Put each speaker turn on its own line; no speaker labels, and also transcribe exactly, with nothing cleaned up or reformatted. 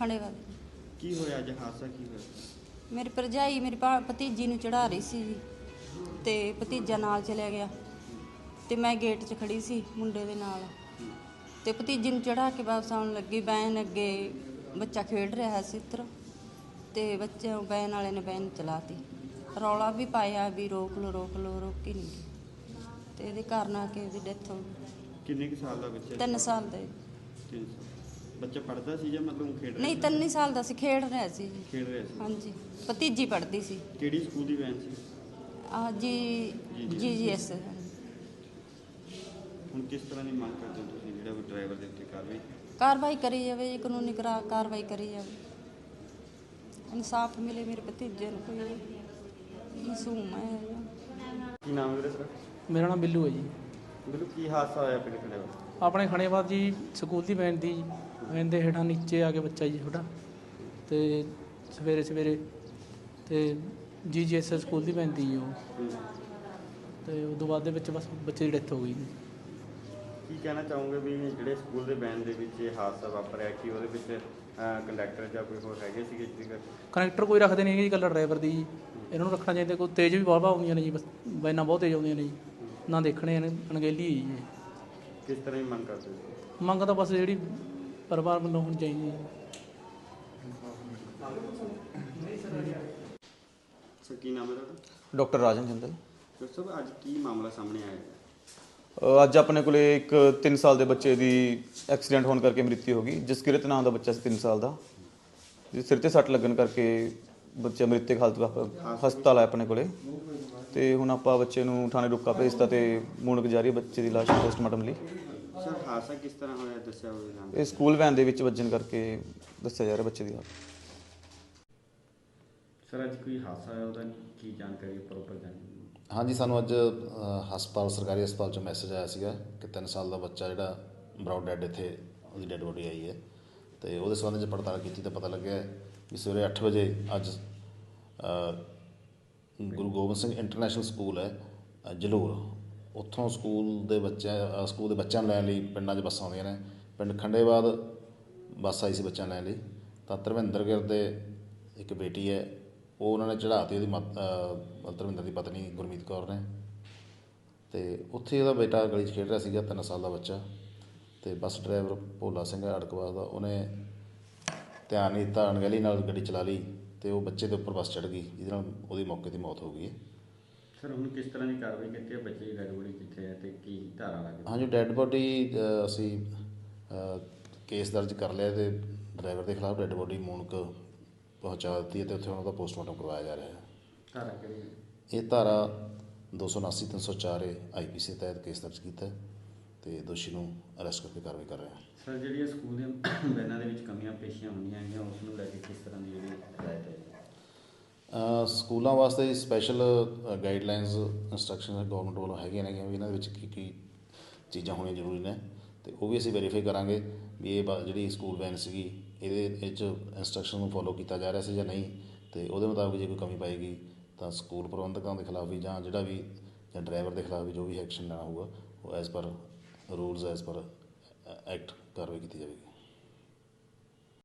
खंडेवाल।
की होया अज हादसा की होया?
मेरी भरजाई मेरी भा भतीजी नूं चढ़ा रही सी ते भतीजा नाल चलिया गया ते मैं गेट 'च खड़ी सी मुंडे दे नाल ते भतीजी नूं चढ़ा के वापस आउण लगी। वैन अगे बच्चा खेड रहा सी इधर ते बच्चे वैन वाले ने वैन चलाती। रौला भी पाया भी रोक लो रोक लो, रोकी नहीं गई ते इहदे कारण आ के इहदी डेथ हो गई।
किन्ने कुछ साल दा बच्चा?
तीन साल दे।
तीन साल बच्चा पढ़दा सी जां मतलब खेड रहा
नहीं
सी?
तीन ही साल दा सी, खेड रहा सी जी।
खेड रहा सी।
हाँ जी, भतीजी पढ़दी सी।
किहड़ी स्कूल दी वैन सी?
आ जी जी जी एस।
हुण किस तरह दी मंग करदे हो तुसीं जिहड़ा कोई ड्राइवर दे उत्ते कार्रवाई?
कार्रवाई करी जावे जी, कानूनी करा कार्रवाई करी जावे, इंसाफ मिले मेरे भतीजे नूं। कोई मासूम है।
की नाम है तेरा सर?
मेरा नाम बिल्लू है जी।
बिल्कुल की हादसा होया पिंड खंडेवाल?
ਆਪਣੇ ਖਣੇਬਾਦ ਜੀ ਸਕੂਲ ਦੀ ਵੈਨ ਦੀ ਵੈਨ ਦੇ ਹੇਠਾਂ ਨੀਚੇ ਆ ਕੇ ਬੱਚਾ ਜੀ ਛੋਟਾ ਤੇ ਸਵੇਰੇ ਸਵੇਰੇ ਤੇ ਜੀ ਜੀ ਐਸ ਸਕੂਲ ਦੀ ਵੈਨ ਦੀ ਜੀ ਉਹ ਤੇ ਉਸ ਤੋਂ ਬਾਅਦ ਦੇ ਵਿੱਚ ਬਸ ਬੱਚੇ ਦੀ ਡੈਥ ਹੋ ਗਈ ਜੀ।
ਕੀ ਕਹਿਣਾ ਚਾਹੋਗੇ ਵੀ ਜਿਹੜੇ ਸਕੂਲ ਦੇ ਵੈਨ ਦੇ ਵਿੱਚ ਇਹ ਹਾਦਸਾ ਵਾਪਰਿਆ ਕਿ ਉਹਦੇ ਵਿੱਚ ਕੰਡਕਟਰ ਜਾਂ ਕੋਈ ਹੋਰ ਹੈਗੇ ਸੀਗੇ ਜਿਹਦੇ
ਕਨੈਕਟਰ ਕੋਈ ਰੱਖਦੇ ਨਹੀਂ ਜੀ, ਇਕੱਲਾ ਡਰਾਈਵਰ ਦੀ ਜੀ। ਇਹਨਾਂ ਨੂੰ ਰੱਖਣਾ ਚਾਹੀਦਾ। ਕੋਈ ਤੇਜ਼ ਵੀ ਬਹੁਤ ਆਉਂਦੀਆਂ ਨੇ ਜੀ, ਬਸ ਵੈਨਾਂ ਬਹੁਤ ਤੇਜ਼ ਆਉਂਦੀਆਂ ਨੇ ਜੀ, ਨਾ ਦੇਖਣੇ ਨੇ ਅਣਗਹਿਲੀ ਹੈ ਜੀ।
ਕਿਸ ਤਰ੍ਹਾਂ ਦੀ ਮੰਗ ਕਰਦੇ ਹੋ?
ਮੰਗ ਤਾਂ ਬਸ ਜਿਹੜੀ ਪਰਿਵਾਰ ਵੱਲੋਂ ਹੋਣੀ ਚਾਹੀਦੀ ਹੈ।
ਸਰ ਕੀ ਨਾਮ ਹੈ ਤੁਹਾਡਾ?
ਡਾਕਟਰ ਰਾਜਨ ਜਿੰਦਲ।
ਡਾਕਟਰ ਸਾਹਿਬ ਅੱਜ ਕੀ ਮਾਮਲਾ ਸਾਹਮਣੇ ਆਇਆ ਹੈ?
ਅ, ਅੱਜ ਆਪਣੇ ਕੋਲੇ ਇੱਕ ਤਿੰਨ ਸਾਲ ਦੇ ਬੱਚੇ ਦੀ ਐਕਸੀਡੈਂਟ ਹੋਣ ਕਰਕੇ ਮ੍ਰਿਤੂ ਹੋ ਗਈ। ਜਸਕਿਰਤ ਨਾਮ ਦਾ ਬੱਚਾ ਸੀ ਤਿੰਨ ਸਾਲ ਦਾ, ਜਿਸ ਸਿਰ ਤੇ ਸੱਟ ਲੱਗਣ ਕਰਕੇ ਬੱਚਾ ਮ੍ਰਿਤਕ ਹਾਲਤ ਵਿੱਚ ਹਸਪਤਾਲ ਆਇਆ ਆਪਣੇ ਕੋਲੇ। ਤੇ ਹੁਣ ਆਪਾਂ ਬੱਚੇ ਨੂੰ ਥਾਣੇ ਰੁਕਾ ਭੇਜਤਾ ਤੇ ਮੂਣਕ ਜਾਰੀ ਹੈ ਬੱਚੇ ਦੀ ਲਾਸ਼ ਪੋਸਟਮਾਰਟਮ ਲਈ।
ਸਰ ਹਾਦਸਾ ਕਿਸ ਤਰ੍ਹਾਂ ਹੋਇਆ ਦੱਸਿਆ ਹੋਵੇ?
ਇਹ ਸਕੂਲ ਵੈਨ ਦੇ ਵਿੱਚ ਵੱਜਣ ਕਰਕੇ ਦੱਸਿਆ ਜਾ ਰਿਹਾ ਬੱਚੇ ਦੀ ਹਾਲਤ।
ਸਰ ਅੱਜ ਕੋਈ ਹਾਦਸਾ ਹੋਇਆ ਉਹਦਾ ਕੀ ਜਾਣਕਾਰੀ ਪ੍ਰੋਪਰ ਜਾਣਕਾਰੀ?
ਹਾਂਜੀ, ਸਾਨੂੰ ਅੱਜ ਅ, ਹਸਪਤਾਲ ਸਰਕਾਰੀ ਹਸਪਤਾਲ 'ਚੋਂ ਮੈਸੇਜ ਆਇਆ ਸੀਗਾ ਕਿ ਤਿੰਨ ਸਾਲ ਦਾ ਬੱਚਾ ਜਿਹੜਾ ਬਰਾਊਡ ਡੈਡ ਇੱਥੇ ਉਹਦੀ ਡੈਡ ਬੋਡੀ ਆਈ ਹੈ ਤੇ ਉਹਦੇ ਸੰਬੰਧ 'ਚ ਪੜਤਾਲ ਕੀਤੀ ਤਾਂ ਪਤਾ ਲੱਗਿਆ ਕਿ ਸਵੇਰੇ ਅੱਠ ਵਜੇ ਅੱਜ ਅ, ਗੁਰੂ ਗੋਬਿੰਦ ਸਿੰਘ ਇੰਟਰਨੈਸ਼ਨਲ ਸਕੂਲ ਹੈ ਅ, ਜਲੂਰ, ਉੱਥੋਂ ਸਕੂਲ ਦੇ ਬੱਚਿਆਂ ਸਕੂਲ ਦੇ ਬੱਚਿਆਂ ਨੂੰ ਲੈਣ ਲਈ ਪਿੰਡਾਂ 'ਚ ਬੱਸਾਂ ਆਉਂਦੀਆਂ ਨੇ। ਪਿੰਡ ਖੰਡੇਬਾਦ ਬੱਸ ਆਈ ਸੀ ਬੱਚਿਆਂ ਲੈਣ ਲਈ, ਤਾਂ ਧਰਮਿੰਦਰ ਗਿਰ ਦੇ ਇੱਕ ਬੇਟੀ ਹੈ, ਉਹ ਉਹਨਾਂ ਨੇ ਚੜ੍ਹਾਤੀ ਉਹਦੀ ਮਤ ਧਰਮਿੰਦਰ ਦੀ ਪਤਨੀ ਗੁਰਮੀਤ ਕੌਰ ਨੇ। ਅਤੇ ਉੱਥੇ ਉਹਦਾ ਬੇਟਾ ਗਲੀ 'ਚ ਖੇਡ ਰਿਹਾ ਸੀਗਾ, ਤਿੰਨ ਸਾਲ ਦਾ ਬੱਚਾ, ਅਤੇ ਬੱਸ ਡਰਾਈਵਰ ਭੋਲਾ ਸਿੰਘ ਅੜਕਵਾਸ ਦਾ, ਉਹਨੇ ਧਿਆਨ ਨਹੀਂ ਦਿੱਤਾ, ਅਣਗਹਿਲੀ ਨਾਲ ਗੱਡੀ ਚਲਾ ਲਈ ਅਤੇ ਉਹ ਬੱਚੇ ਦੇ ਉੱਪਰ ਬੱਸ ਚੜ੍ਹ ਗਈ, ਜਿਹਦੇ ਨਾਲ ਉਹਦੀ ਮੌਕੇ 'ਤੇ ਮੌਤ ਹੋ ਗਈ ਹੈ।
ਸਰ ਹੁਣ ਕਿਸ ਤਰ੍ਹਾਂ ਦੀ ਕਾਰਵਾਈ ਕੀਤੀ ਹੈ? ਬੱਚੇ ਦੀ ਡੈਡ ਬੋਡੀ ਕਿੱਥੇ ਹੈ ਤੇ ਕੀ ਧਾਰਾ ਲੱਗੀ?
ਹਾਂਜੀ, ਡੈਡ ਬੋਡੀ ਅਸੀਂ ਕੇਸ ਦਰਜ ਕਰ ਲਿਆ ਅਤੇ ਡਰਾਈਵਰ ਦੇ ਖਿਲਾਫ ਡੈਡ ਬੋਡੀ ਮੂਣਕ ਪਹੁੰਚਾ ਦਿੱਤੀ ਹੈ ਅਤੇ ਉੱਥੇ ਉਹਨਾਂ ਦਾ ਪੋਸਟਮਾਰਟਮ ਕਰਵਾਇਆ ਜਾ ਰਿਹਾ ਹੈ।
ਧਾਰਾ ਕਿਹੜੀ?
ਇਹ ਧਾਰਾ ਦੋ ਸੌ ਉਨਾਸੀ ਤਿੰਨ ਸੌ ਚਾਰ ਏ ਆਈ ਪੀ ਸੀ ਤਹਿਤ ਕੇਸ ਦਰਜ ਕੀਤਾ ਅਤੇ ਦੋਸ਼ੀ ਨੂੰ ਅਰੈਸਟ ਕਰਕੇ ਕਾਰਵਾਈ ਕਰ ਰਹੇ ਹਾਂ।
ਸਰ ਜਿਹੜੀਆਂ ਸਕੂਲ ਦੀਆਂ ਵੈਨਾਂ ਦੇ ਵਿੱਚ ਕਮੀਆਂ ਪੇਸ਼ੀਆਂ ਹੁੰਦੀਆਂ ਹੈਗੀਆਂ ਉਸ ਨੂੰ ਲੈ ਕੇ ਕਿਸ ਤਰ੍ਹਾਂ ਦੀ ਜਿਹੜੀ ਹਦਾਇਤ ਹੈ?
ਅ, ਸਕੂਲਾਂ ਵਾਸਤੇ ਸਪੈਸ਼ਲ ਗਾਈਡਲਾਈਨਸ ਇੰਸਟਰਕਸ਼ਨ ਗੌਰਮੈਂਟ ਵੱਲੋਂ ਹੈਗੀਆਂ ਨੇਗੀਆਂ ਵੀ ਇਹਨਾਂ ਦੇ ਵਿੱਚ ਕੀ ਕੀ ਚੀਜ਼ਾਂ ਹੋਣੀਆਂ ਜ਼ਰੂਰੀ ਨੇ, ਅਤੇ ਉਹ ਵੀ ਅਸੀਂ ਵੈਰੀਫਾਈ ਕਰਾਂਗੇ ਵੀ ਇਹ ਜਿਹੜੀ ਸਕੂਲ ਵੈਨ ਸੀਗੀ ਇਹਦੇ ਵਿੱਚ ਇੰਸਟਰਕਸ਼ਨ ਨੂੰ ਫੋਲੋ ਕੀਤਾ ਜਾ ਰਿਹਾ ਸੀ ਜਾਂ ਨਹੀਂ, ਅਤੇ ਉਹਦੇ ਮੁਤਾਬਕ ਜੇ ਕੋਈ ਕਮੀ ਪਾਏਗੀ ਤਾਂ ਸਕੂਲ ਪ੍ਰਬੰਧਕਾਂ ਦੇ ਖਿਲਾਫ ਵੀ ਜਾਂ ਜਿਹੜਾ ਵੀ ਜਾਂ ਡਰਾਈਵਰ ਦੇ ਖਿਲਾਫ ਵੀ ਜੋ ਵੀ ਐਕਸ਼ਨ ਲੈਣਾ ਹੋਊਗਾ ਉਹ as per rules as per act ਕਾਰਵਾਈ ਕੀਤੀ ਜਾਵੇਗੀ।